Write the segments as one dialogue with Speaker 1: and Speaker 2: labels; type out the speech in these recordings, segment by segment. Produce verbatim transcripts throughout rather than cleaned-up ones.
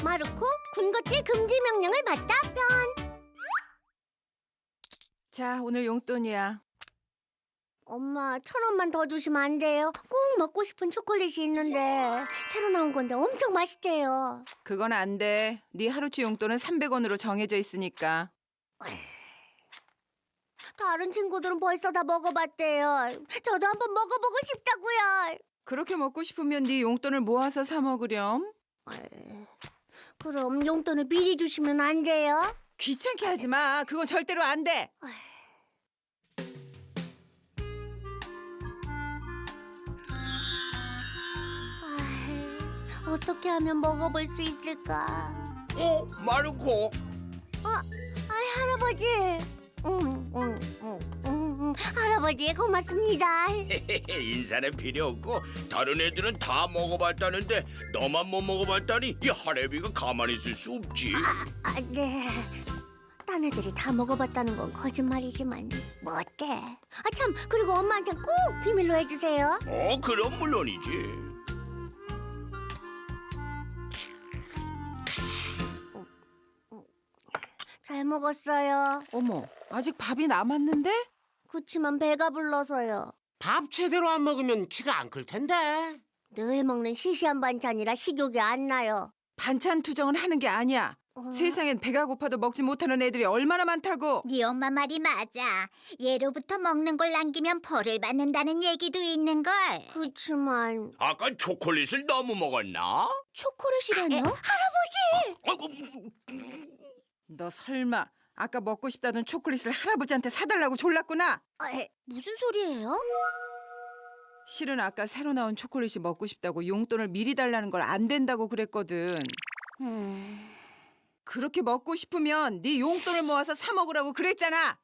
Speaker 1: 마르코 군것질 금지 명령을 받다 편.
Speaker 2: 자, 오늘 용돈이야.
Speaker 1: 엄마, 천 원만 더 주시면 안 돼요? 꼭 먹고 싶은 초콜릿이 있는데 새로 나온 건데 엄청 맛있대요.
Speaker 2: 그건 안 돼. 네 하루치 용돈은 삼백 원으로 정해져 있으니까.
Speaker 1: 다른 친구들은 벌써 다 먹어봤대요. 저도 한번 먹어보고 싶다고요.
Speaker 2: 그렇게 먹고 싶으면 네 용돈을 모아서 사 먹으렴.
Speaker 1: 그럼 용돈을 미리 주시면 안 돼요?
Speaker 2: 귀찮게 하지 마. 그건 절대로 안 돼.
Speaker 1: 아이, 어떻게 하면 먹어볼 수 있을까?
Speaker 3: 어, 마르코.
Speaker 1: 아이, 할아버지. 음, 음, 음, 음, 음. 할아버지 고맙습니다.
Speaker 3: 인사는 필요 없고 다른 애들은 다 먹어봤다는데 너만 못 먹어봤다니 이 할애비가 가만히 있을 수 없지.
Speaker 1: 아, 네. 딴 애들이 다 먹어봤다는 건 거짓말이지만 뭐 어때? 아, 참, 그리고 엄마한테 꼭 비밀로 해주세요.
Speaker 3: 어, 그럼 물론이지.
Speaker 1: 잘 먹었어요.
Speaker 2: 어머, 아직 밥이 남았는데?
Speaker 1: 그치만 배가 불러서요.
Speaker 4: 밥 제대로 안 먹으면 키가 안 클 텐데.
Speaker 1: 늘 먹는 시시한 반찬이라 식욕이 안 나요.
Speaker 2: 반찬 투정은 하는 게 아니야.
Speaker 1: 어.
Speaker 2: 세상엔 배가 고파도 먹지 못하는 애들이 얼마나 많다고.
Speaker 5: 네 엄마 말이 맞아. 예로부터 먹는 걸 남기면 벌을 받는다는 얘기도 있는걸.
Speaker 1: 그치만
Speaker 3: 아까 초콜릿을 너무 먹었나?
Speaker 1: 초콜릿이라뇨?
Speaker 3: 아이고,
Speaker 2: 너 설마 아까 먹고 싶다던 초콜릿을 할아버지한테 사달라고 졸랐구나.
Speaker 1: 아, 에, 무슨 소리예요?
Speaker 2: 실은 아까 새로 나온 초콜릿이 먹고 싶다고 용돈을 미리 달라는 걸 안 된다고 그랬거든.
Speaker 1: 음,
Speaker 2: 그렇게 먹고 싶으면 네 용돈을 모아서 사 먹으라고 그랬잖아.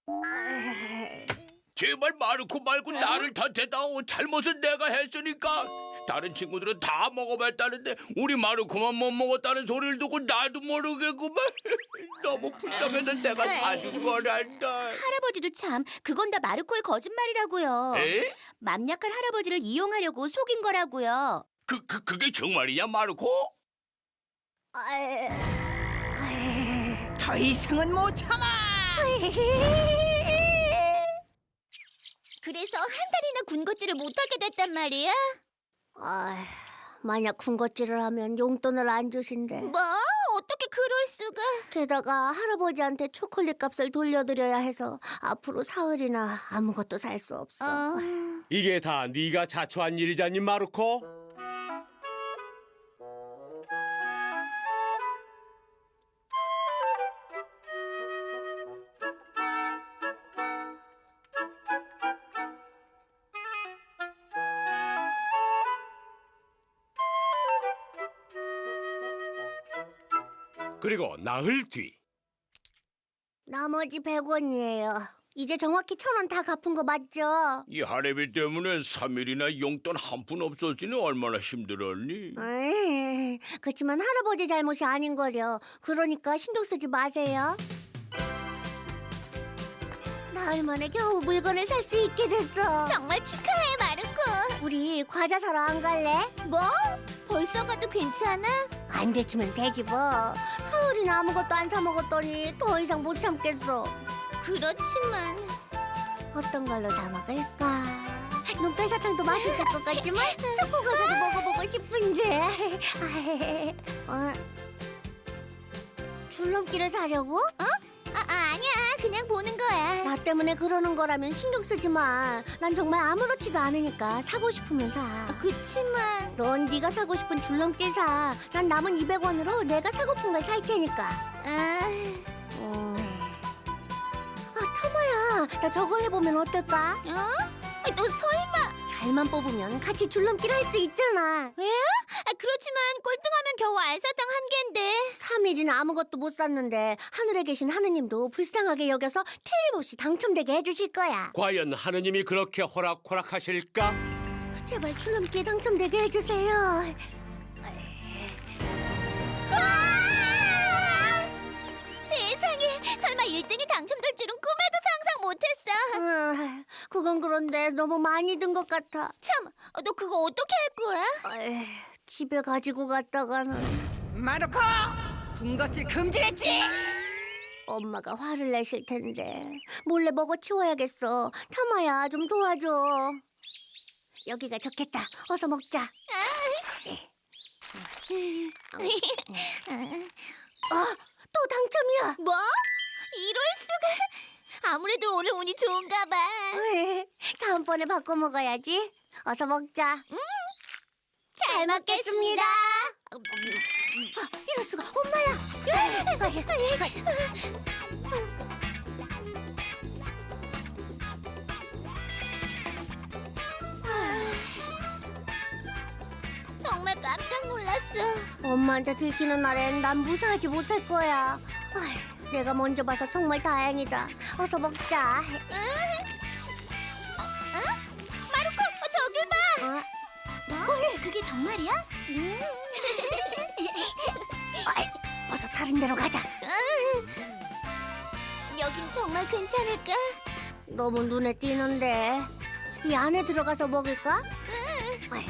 Speaker 3: 제발 마르코 말고 나를 탓해다오. 잘못은 내가 했으니까. 다른 친구들은 다 먹어봤다는데 우리 마르코만 못 먹었다는 소리를 듣고 나도 모르겠구만. 너무 불쌍해서 내가 사준 거란다.
Speaker 5: 할아버지도 참, 그건 다 마르코의 거짓말이라고요.
Speaker 3: 에?
Speaker 5: 맘 약한 할아버지를 이용하려고 속인 거라고요.
Speaker 3: 그, 그, 그게 정말이냐, 마르코?
Speaker 1: 아, 에, 아,
Speaker 2: 더 이상은 못 참아.
Speaker 5: 그래서 한 달이나 군것질을 못하게 됐단 말이야?
Speaker 1: 아, 만약 군것질을 하면 용돈을 안 주신대.
Speaker 5: 뭐? 어떻게 그럴 수가?
Speaker 1: 게다가 할아버지한테 초콜릿 값을 돌려드려야 해서 앞으로 사흘이나 아무것도 살 수 없어.
Speaker 5: 어...
Speaker 4: 이게 다 네가 자초한 일이잖니, 마르코? 그리고 나흘 뒤.
Speaker 1: 나머지 백 원이에요. 이제 정확히 천 원 다 갚은 거 맞죠?
Speaker 3: 이 할애비 때문에 삼 일이나 용돈 한 푼 없었으니 얼마나 힘들었니?
Speaker 1: 에이, 그치만 할아버지 잘못이 아닌 거려. 그러니까 신경 쓰지 마세요. 나흘 만에 겨우 물건을 살 수 있게 됐어.
Speaker 5: 정말 축하해, 마르코.
Speaker 1: 우리 과자 사러 안 갈래?
Speaker 5: 뭐? 벌써 가도 괜찮아?
Speaker 1: 안 들키면 되지 뭐. 사흘이나 아무것도 안 사 먹었더니 더 이상 못 참겠어.
Speaker 5: 그렇지만...
Speaker 1: 어떤 걸로 사 먹을까? 눈깔 사탕도 맛있을 것 같지만 초코 과자도 먹어보고 싶은데. 어? 줄넘기를 사려고?
Speaker 5: 아, 아, 아니야. 그냥 보는 거야.
Speaker 1: 나 때문에 그러는 거라면 신경 쓰지 마. 난 정말 아무렇지도 않으니까 사고 싶으면 사.
Speaker 5: 그치만...
Speaker 1: 넌 네가 사고 싶은 줄넘기 사. 난 남은 이백 원으로 내가 사고픈 걸 살 테니까.
Speaker 5: 아...
Speaker 1: 음. 아, 타마야. 나 저걸 해보면 어떨까?
Speaker 5: 어? 너 설마...
Speaker 1: 잘만 뽑으면 같이 줄넘기를 할 수 있잖아.
Speaker 5: 왜? 아, 그렇지만 꼴등하면 겨우 알사탕 한 갠데.
Speaker 1: 삼 일이나 아무것도 못 샀는데 하늘에 계신 하느님도 불쌍하게 여겨서 틀림없이 당첨되게 해주실 거야.
Speaker 4: 과연 하느님이 그렇게 호락호락하실까?
Speaker 1: 제발 줄넘기에 당첨되게 해주세요.
Speaker 5: 와! 세상에, 설마 일 등이 당첨될 줄은 꿈에도 상상 못했어.
Speaker 1: 아, 그건 그런데 너무 많이 든 것 같아.
Speaker 5: 참, 너 그거 어떻게 할 거야?
Speaker 1: 에이, 집에 가지고 갔다가는.
Speaker 2: 마르코! 군것질 금지랬지.
Speaker 1: 엄마가 화를 내실 텐데 몰래 먹어 치워야겠어. 타마야, 좀 도와줘. 여기가 좋겠다. 어서 먹자. 어, 또 당첨이야.
Speaker 5: 뭐? 이럴 수가? 아무래도 오늘 운이 좋은가 봐.
Speaker 1: 다음번에 바꿔 먹어야지. 어서 먹자.
Speaker 5: 잘 먹겠습니다.
Speaker 1: 아, 이럴 수가. 엄마야.
Speaker 5: 정말 깜짝 놀랐어.
Speaker 1: 엄마한테 들키는 날엔 난 무사하지 못할 거야. 아휴, 내가 먼저 봐서 정말 다행이다. 어서 먹자.
Speaker 5: 마르코, 저기 봐.
Speaker 1: 어?
Speaker 5: 뭐? 그게 정말이야? 음.
Speaker 1: 어이, 어서 다른 데로 가자.
Speaker 5: 여긴 정말 괜찮을까?
Speaker 1: 너무 눈에 띄는데. 이 안에 들어가서 먹을까? 어이.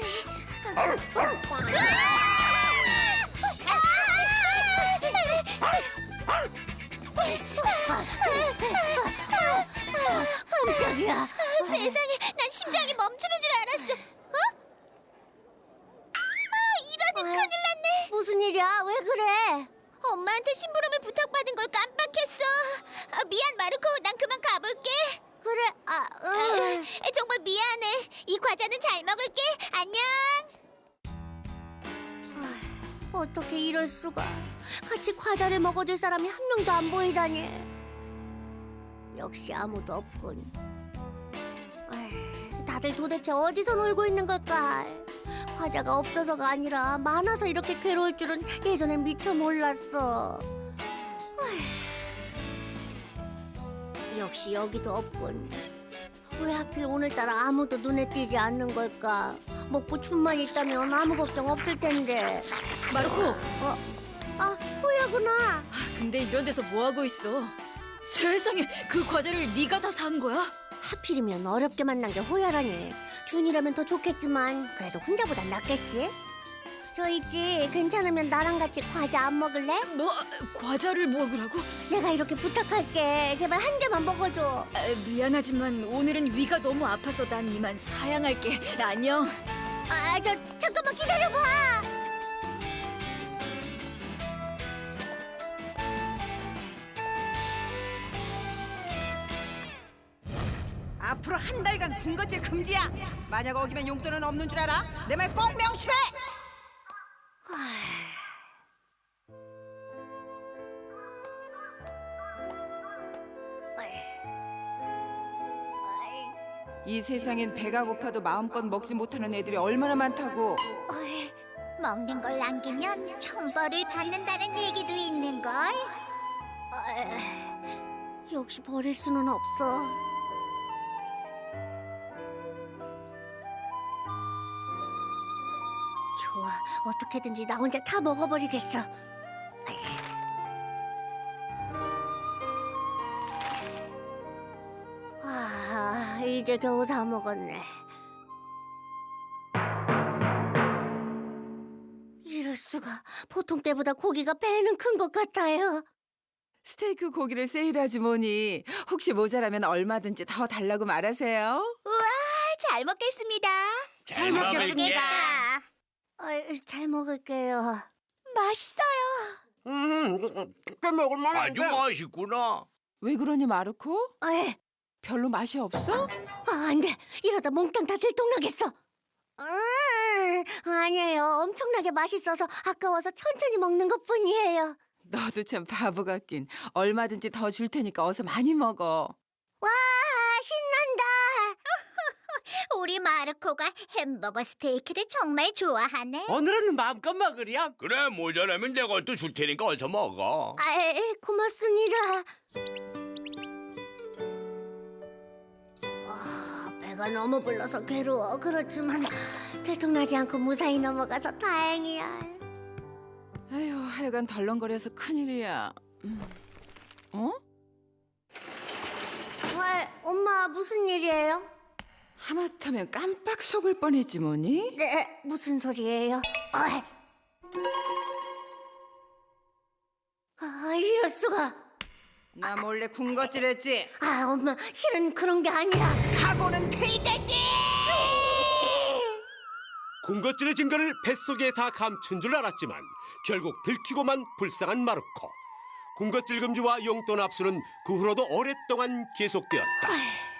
Speaker 1: 깜짝이야.
Speaker 5: 세상에, 난 심장이 멈추는 줄 알았어. 어? 아, 이러니 큰일 났네.
Speaker 1: 무슨 일이야? 왜 그래?
Speaker 5: 엄마한테 심부름을 부탁받은 걸 깜빡했어. 아, 미안, 마르코. 난 그만 가볼게.
Speaker 1: 그래, 아, 응.
Speaker 5: 아, 정말 미안해. 이 과자는 잘 먹을게. 안녕.
Speaker 1: 어떻게 이럴 수가? 같이 과자를 먹어줄 사람이 한 명도 안 보이다니. 역시 아무도 없군. 에이, 다들 도대체 어디서 놀고 있는 걸까? 과자가 없어서가 아니라 많아서 이렇게 괴로울 줄은 예전엔 미처 몰랐어. 에이, 역시 여기도 없군. 왜 하필 오늘따라 아무도 눈에 띄지 않는 걸까? 먹고 춤만 있다면 아무 걱정 없을 텐데.
Speaker 6: 마르코,
Speaker 1: 어? 아, 호야구나.
Speaker 6: 근데 이런 데서 뭐 하고 있어? 세상에, 그 과자를 네가 다 산 거야?
Speaker 1: 하필이면 어렵게 만난 게 호야라니. 준이라면 더 좋겠지만 그래도 혼자보단 낫겠지? 저 있지, 괜찮으면 나랑 같이 과자 안 먹을래?
Speaker 6: 뭐, 과자를 먹으라고?
Speaker 1: 내가 이렇게 부탁할게. 제발 한 개만 먹어줘.
Speaker 6: 아, 미안하지만 오늘은 위가 너무 아파서 난 이만 사양할게. 안녕.
Speaker 1: 아, 저 잠깐만 기다려봐.
Speaker 2: 앞으로 한 달간 군것질 금지야. 만약 어기면 용돈은 없는 줄 알아? 내 말 꼭 명심해. 이 세상엔 배가 고파도 마음껏 먹지 못하는 애들이 얼마나 많다고.
Speaker 1: 어이,
Speaker 5: 먹는 걸 남기면 천벌을 받는다는 얘기도 있는걸.
Speaker 1: 어이, 역시 버릴 수는 없어. 좋아, 어떻게든지 나 혼자 다 먹어버리겠어. 아, 이제 겨우 다 먹었네. 이럴 수가. 보통 때보다 고기가 배는 큰 것 같아요.
Speaker 2: 스테이크 고기를 세일하지 뭐니. 혹시 모자라면 얼마든지 더 달라고 말하세요.
Speaker 5: 잘 먹겠습니다.
Speaker 3: 잘
Speaker 1: 먹겠습니다. 어, 잘 먹을게요.
Speaker 5: 맛있어요.
Speaker 4: 음, 꽤 먹을만
Speaker 3: 아주
Speaker 4: 한데.
Speaker 3: 맛있구나.
Speaker 2: 왜 그러니 마르코?
Speaker 1: 에이,
Speaker 2: 별로 맛이 없어?
Speaker 1: 아, 안 돼. 이러다 몽땅 다 들통나겠어. 음, 아니에요. 엄청나게 맛있어서 아까워서 천천히 먹는 것뿐이에요.
Speaker 2: 너도 참 바보 같긴. 얼마든지 더 줄 테니까 어서 많이 먹어.
Speaker 1: 와, 신난다.
Speaker 5: 우리 마르코가 햄버거 스테이크를 정말 좋아하네.
Speaker 4: 오늘은 마음껏 먹으렴.
Speaker 3: 그래, 모자라면 내가 또 줄 테니까 어서 먹어.
Speaker 1: 아, 고맙습니다. 아, 배가 너무 불러서 괴로워. 그렇지만 들통나지 않고 무사히 넘어가서 다행이야.
Speaker 2: 아휴, 하여간 덜렁거려서 큰일이야. 음. 어?
Speaker 1: 와, 엄마 무슨 일이에요?
Speaker 2: 하마터면 깜빡 속을 뻔했지 뭐니?
Speaker 1: 네, 무슨 소리예요? 어이. 수가?
Speaker 2: 나 몰래 군것질했지.
Speaker 1: 아, 엄마, 실은 그런 게 아니라.
Speaker 2: 각오는 필대지.
Speaker 4: 군것질의 증거를 뱃속에 다 감춘 줄 알았지만 결국 들키고만 불쌍한 마르코. 군것질 금지와 용돈 압수는 그 후로도 오랫동안 계속되었다.